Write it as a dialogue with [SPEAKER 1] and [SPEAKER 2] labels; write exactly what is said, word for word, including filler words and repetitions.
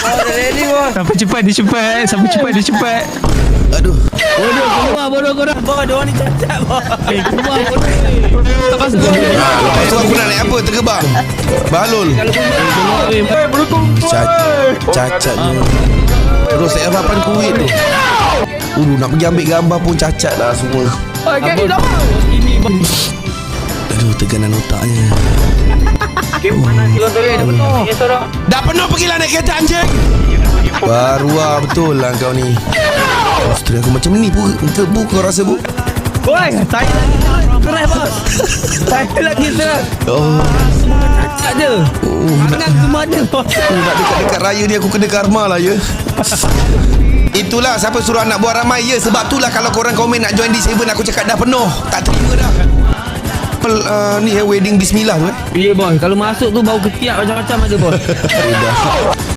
[SPEAKER 1] ready bos.
[SPEAKER 2] Sampai cepat dia cepat. Sampai cepat dia cepat.
[SPEAKER 3] Aduh.
[SPEAKER 1] Bodoh keluar bodoh korang. Bos dia orang ni cacat bos. Eh keluar bodoh. Tak pasal.
[SPEAKER 3] Ha, lepas tu aku nak naik apa? Tergebang. Balul.
[SPEAKER 1] Eh berukung.
[SPEAKER 3] Cacat. Cacat ni. Terus F lapan kuit tu. Ulu nak pergi ambil gambar pun cacat dah semua.
[SPEAKER 1] Oh gini dah. Ini bos.
[SPEAKER 3] Aduh, teganan otaknya. Dah penuh pergilah naik kereta anjing. Baru lah betul lah kau ni. Isteri aku macam ni bu, ke bu kau rasa bu?
[SPEAKER 1] Oi, saya keras bos. Saya lagi keras.
[SPEAKER 3] Oh,
[SPEAKER 1] Tak ada.
[SPEAKER 3] oh nak,
[SPEAKER 1] Tangan semua ada bos.
[SPEAKER 3] oh, nak dekat-dekat raya ni aku kena karma lah ya. Itulah siapa suruh anak buat ramai ya. Sebab tu lah kalau korang komen nak join D tujuh aku cakap dah penuh. Tak terima dah. Pel, uh, ni eh wedding bismillah tu eh.
[SPEAKER 1] Ya bos, kalau masuk tu bau ketiak macam-macam ada bos.
[SPEAKER 3] Eh, dah.